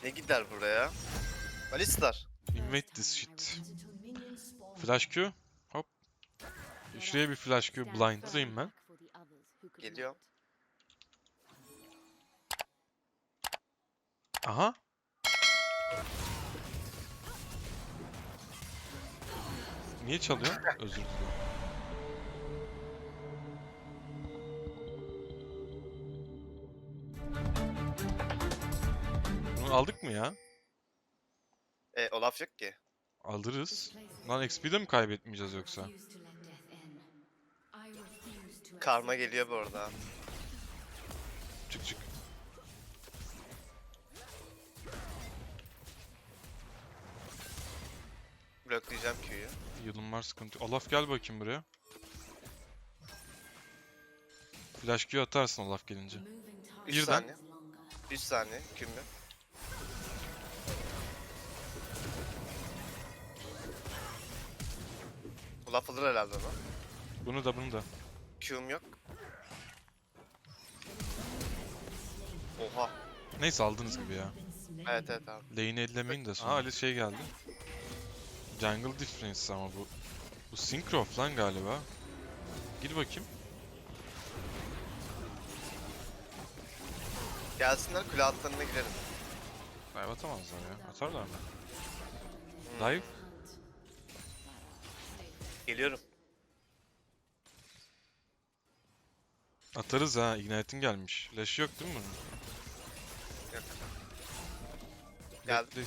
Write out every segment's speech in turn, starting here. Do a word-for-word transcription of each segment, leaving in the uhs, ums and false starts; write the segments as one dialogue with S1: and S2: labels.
S1: Ne gider buraya? Alistar.
S2: Invade this shit. Flash Q. Hop. Şuraya bir flash Q blind'dayım ben.
S1: Geliyor.
S2: Aha. Niye çalıyor? Özür dilerim. Bunu aldık mı ya?
S1: E Olaf yok ki.
S2: Alırız. Lan X P'de mi kaybetmeyeceğiz yoksa?
S1: Karma geliyor bu arada.
S2: Çık çık.
S1: Bloklayacağım Q'yu.
S2: Yılın var, sıkıntı yok. Olaf gel bakayım buraya. Flash Q atarsın Olaf gelince.
S1: üç
S2: Birden.
S1: saniye. üç saniye. Q'm yok. Olaf alır herhalde onu.
S2: Bunu da bunu da.
S1: Q'm yok. Oha.
S2: Neyse aldığınız gibi ya.
S1: Evet evet abi.
S2: Lane'i ellemeyin de sonra. Aa Ali şey geldi. Jungle Difference ama bu. Bu Syncroft lan galiba. Gir bakayım.
S1: Gelsinler kule altlarına girelim.
S2: Dive atamazlar ya. Atarlar mı?
S1: Hmm.
S2: Dive.
S1: Geliyorum.
S2: Atarız ha. Ignite'in gelmiş. Flash yok değil mi bunun?
S1: Yok. Geldi.
S2: Bekle.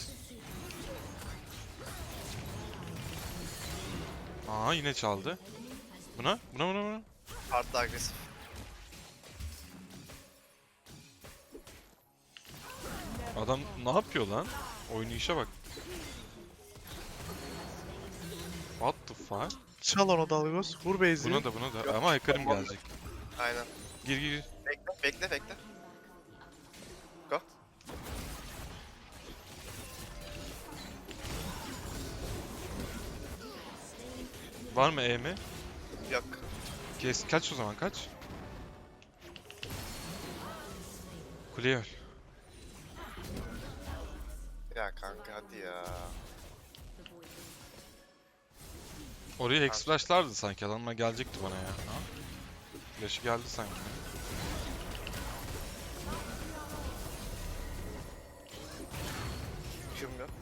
S2: Aa yine çaldı. Buna? Buna buna buna.
S1: Artı agresif.
S2: Adam ne yapıyor lan? Oynayışa bak. What the fuck?
S3: Çal onu Dalgos. Vur base'i.
S2: Buna da buna da. Ama Hekarim gelecek.
S1: Aynen.
S2: Gir gir gir.
S1: Bekle bekle bekle. Go.
S2: Var mı E mi?
S1: Yok.
S2: Kes. Kaç o zaman kaç? Kuleye öl.
S1: Ya kanka hadi ya.
S2: Oraya Hex flashlardı sanki. Adamlar gelecekti bana ya. Ha? Flash'ı geldi sanki.
S1: Q'm yok.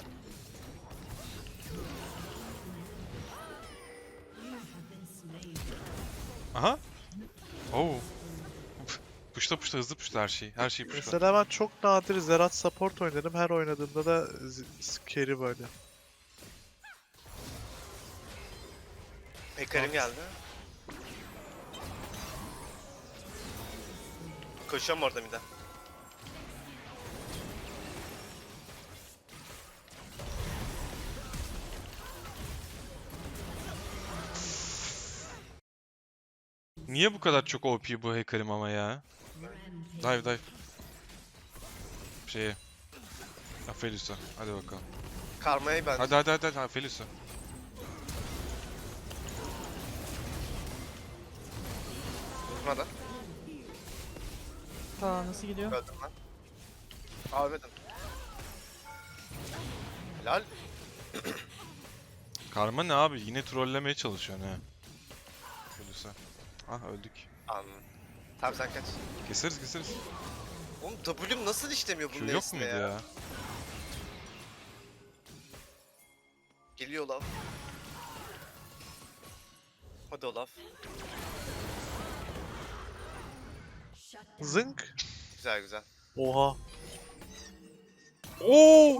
S2: Aha. Oo. Puşta puşta hızlı puşta her şey. Her şey puşta.
S3: Mesela ben çok nadir Zerat support oynadım. Her oynadığımda da z- carry böyle.
S1: Hekarim geldi. Koşuyorum orada bir de.
S2: Niye bu kadar çok O P bu Hekarim ama ya? Dive dive. Şeye. Aphelios'a. Hadi bakalım.
S1: Karma'yı ben.
S2: Hadi hadi hadi hadi Aphelios'a.
S1: Vurmadan.
S4: Aa nasıl gidiyor?
S1: Öldüm lan. Aa ölmedim. Helal.
S2: Karma ne abi? Yine trollemeye çalışıyor ne? Aphelios'a. Ah öldük.
S1: Anladım. Tamam sen kaç.
S2: Keseriz keseriz.
S1: Oğlum W'm nasıl işlemiyor bunun
S2: Şu yok
S1: neresine
S2: muydu
S1: ya?
S2: ya?
S1: Geliyor Olaf. Hadi Olaf.
S3: Zınk.
S1: Güzel güzel.
S3: Oha.
S2: Oo!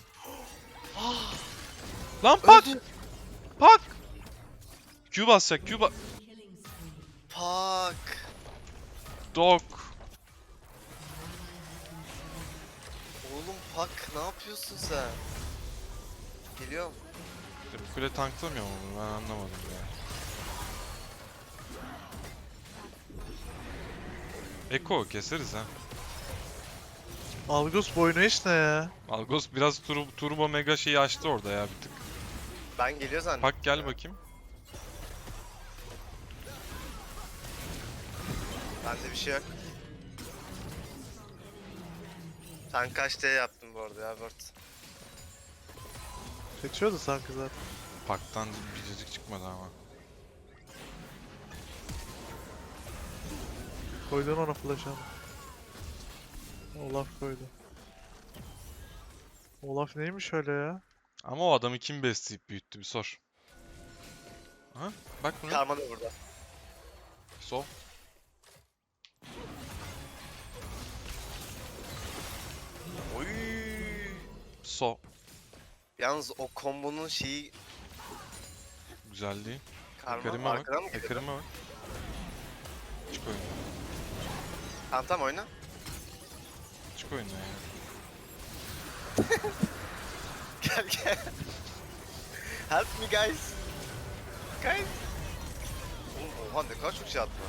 S2: Lan pak!
S1: Öldü.
S2: Pak! Q basacak, Q ba...
S1: Pak.
S2: Dog.
S1: Oğlum Pak ne yapıyorsun sen? Geliyorum.
S2: Bu kule tanklamıyor mu bunu? Ben anlamadım ya. Eko keseriz ha.
S3: Algos boynu eş ne ya?
S2: Algos biraz tur turbo mega şeyi açtı orada ya bir tık.
S1: Ben geliyor zannettim.
S2: Pak gel
S1: ya.
S2: bakayım.
S1: Bende bir şey yok. Sen kaç D yaptın bu arada ya Word.
S3: Kaçıyordu sanki zaten.
S2: Paktan biricik çıkmadı ama.
S3: Koydun ona flash ama. Olaf koydu. Olaf neymiş öyle ya?
S2: Ama o adamı kim besleyip büyüttü bir sor. Ha? Bak buna.
S1: Karma da burada.
S2: Sol.
S1: Oy.
S2: So.
S1: Yalnız o kombonun şeyi
S2: Güzel değil.
S1: karma
S2: Ekarime bak.
S1: arkadan mı geliyor?
S2: Ekarime bak. Çık oyuna.
S1: Tamam tamam oyna.
S2: Çık oyuna ya.
S1: Gel gel. Help me guys. Guys. Oğlum, oha ne kadar çok şey attılar.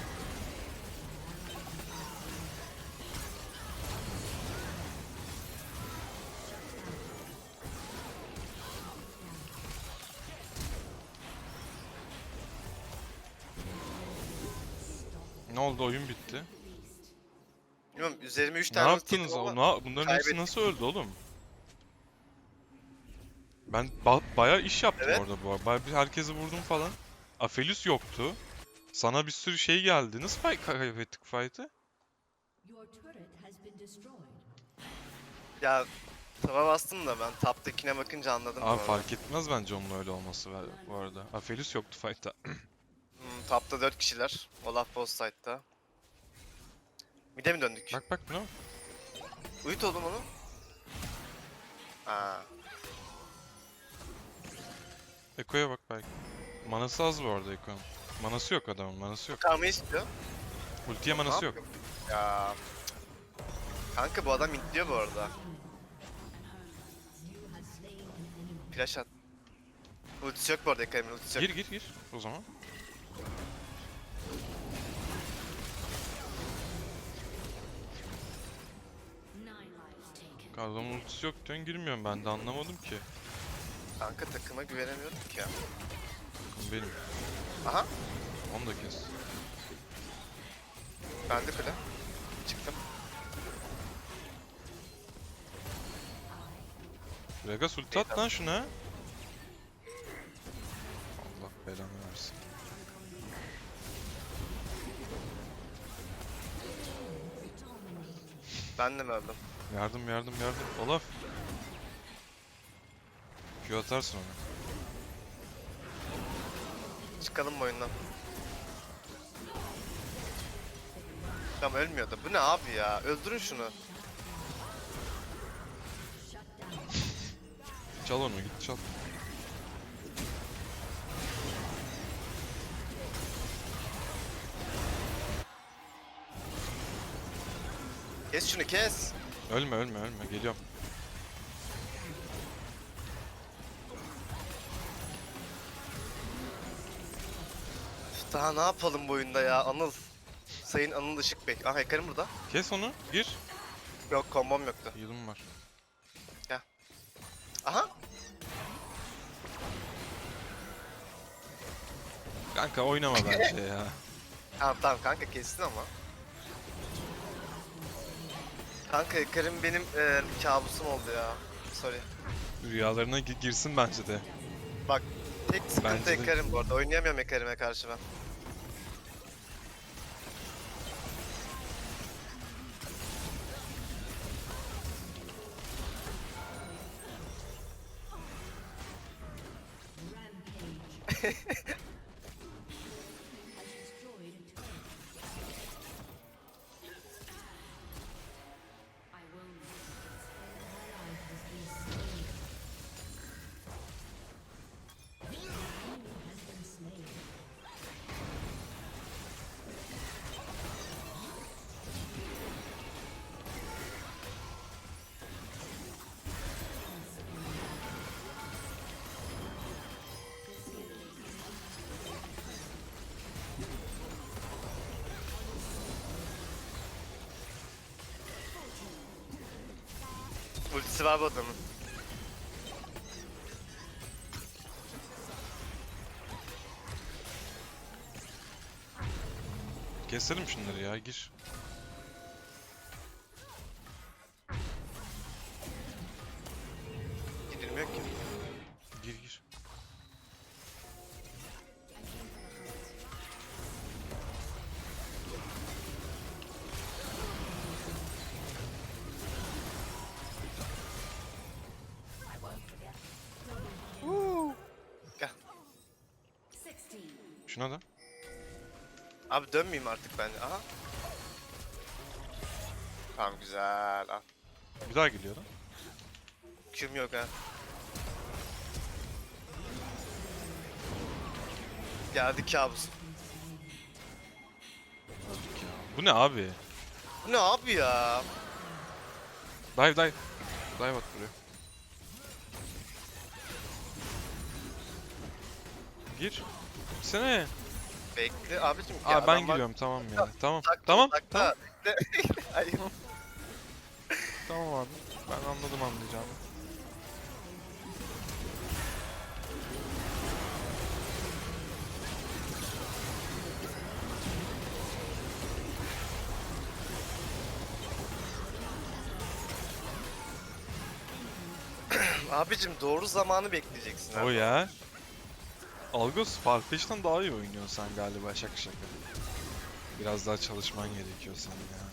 S2: Ne oldu? Oyun bitti.
S1: Bilmiyorum üzerime üç
S2: Ne
S1: tane ulti
S2: yaptınız?
S1: yedim
S2: O,
S1: ama
S2: na- bunların hepsi
S1: kaybettik.
S2: nasıl öldü oğlum? Ben ba bayağı iş yaptım
S1: Evet.
S2: orada bu arada. Bayağı bir herkesi vurdum falan. Aphelios yoktu. Sana bir sürü şey geldi. Nasıl fight kaybettik fight'ı?
S4: Your turret has been destroyed.
S1: Ya tava bastım da ben taptakine bakınca anladım. bu
S2: Abi
S1: arada.
S2: fark etmez bence onun öyle olması var- bu arada. Aphelios yoktu fight'ta.
S1: Hmm, tapta dört kişiler. Olaf boss side'da. Mide mi döndük?
S2: Bak bak ne?
S1: Uyut oğlum onu. Aa,
S2: Eko'ya bak belki. Manası az bu arada Eko'nun. Manası yok adamın, manası yok.
S1: karmayı istiyor.
S2: Ultiye
S1: Ne
S2: manası yok.
S1: yapıyor? Ya. Kanka bu adam intliyor bu arada. Flash at. Ultisi yok bu arada Ekran'ın ultisi yok.
S2: Gir gir gir o zaman.
S4: Nine lives taken.
S2: Adamın ultisi yok diyorsun girmiyorum ben de anlamadım ki.
S1: Kanka takıma güvenemiyorum ki ya.
S2: Takım benim.
S1: Aha.
S2: Onu da kes.
S1: Ben de kule. Çıktım.
S2: Vegas ulti at lan şuna. Allah belanı versin.
S1: Ben de mi öldüm?
S2: Yardım yardım yardım. Olaf. Q atarsın ona.
S1: Çıkalım bu oyundan. Tamam ölmüyor da. Bu ne abi ya? Öldürün şunu.
S2: Çal onu git çal.
S1: Kes şunu kes.
S2: Ölme ölme ölme geliyorum.
S1: Üf, daha ne yapalım bu oyunda ya Anıl. Sayın Anıl Işık Bey. Ah Ekar'ım burada.
S2: Kes onu gir.
S1: Yok kombom yoktu.
S2: Heal'ım var.
S1: Aha.
S2: Kanka oynama bence ya.
S1: Tamam tamam kanka kestin ama. Kanka Ekar'ım benim e, kabusum oldu ya. Sorry.
S2: Rüyalarına gi- girsin bence de.
S1: Bak tek sıkıntı
S2: Bence de.
S1: Ekar'ım bu arada. Oynayamıyorum Ekar'ıma karşı ben.
S4: Rampage. has destroyed a turret. I will not. An ally has been slain. An enemy has been slain.
S1: Ultisi var bu adamın.
S2: Keselim şunları ya gir. Şuna da.
S1: Abi dönmeyeyim artık ben. Aha. Tamam güzel. Ah.
S2: Bir daha geliyorum.
S1: Küm yok ha. Geldi kabus.
S2: Öldük ya. Bu ne abi?
S1: Bu ne abi ya?
S2: Dive dive. Dive at buraya. Gir. Sene.
S1: Bekle abicim.
S2: Aa
S1: ya
S2: ben
S1: adam var-
S2: giriyorum tamam ya. Tamam.
S1: Takla,
S2: Tamam.
S1: takla.
S2: Tamam.
S1: Bekle. Hayır.
S2: Tamam abi. Ben anladım anlayacağımı.
S1: Abicim doğru zamanı bekleyeceksin abi.
S2: O ya. Algos Farfetch'ten daha iyi oynuyorsun sen galiba şaka şaka. Biraz daha çalışman gerekiyor senin ya.